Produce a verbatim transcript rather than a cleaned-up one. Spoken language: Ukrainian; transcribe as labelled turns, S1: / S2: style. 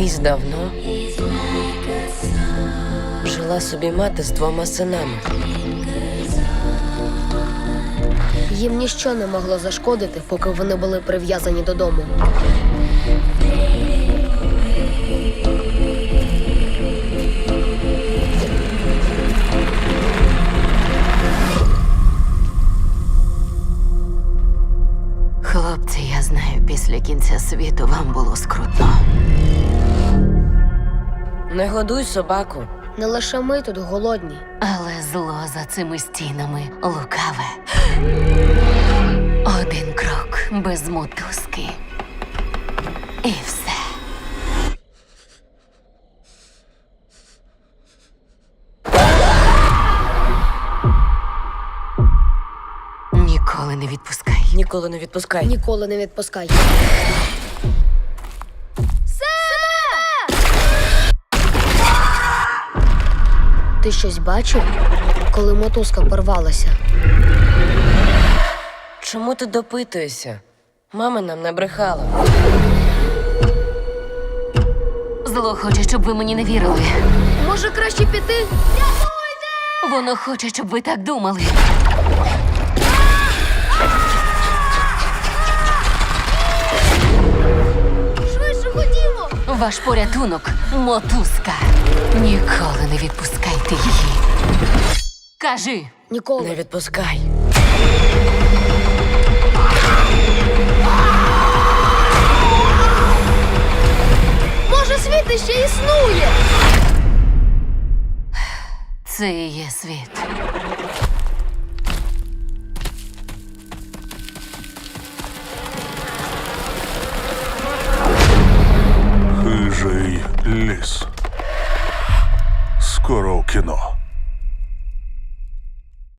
S1: Колись давно жила собі мати з двома синами.
S2: Їм ніщо не могло зашкодити, поки вони були прив'язані додому.
S3: Хлопці, я знаю, після кінця світу вам було скрутно.
S1: Не годуй собаку.
S2: Не лише ми тут голодні.
S3: Але зло за цими стінами лукаве. Один крок без мотузки. І все. Ніколи не відпускай.
S1: Ніколи не відпускай.
S2: Ніколи не відпускай. Ти щось бачив, коли мотузка порвалася?
S1: Чому ти допитуєшся? Мама нам не брехала.
S3: Зло хоче, щоб ви мені не вірили.
S2: Може, краще піти?
S3: Воно хоче, щоб ви так думали.
S2: Швидше ходімо!
S3: Ваш порятунок – мотузка. Ніколи не відпускайте її. Кажи.
S2: Ніколи.
S1: Не відпускай.
S2: Може, світ іще існує?
S3: Це і є світ.
S4: Хижий ліс. Скоро в кіно.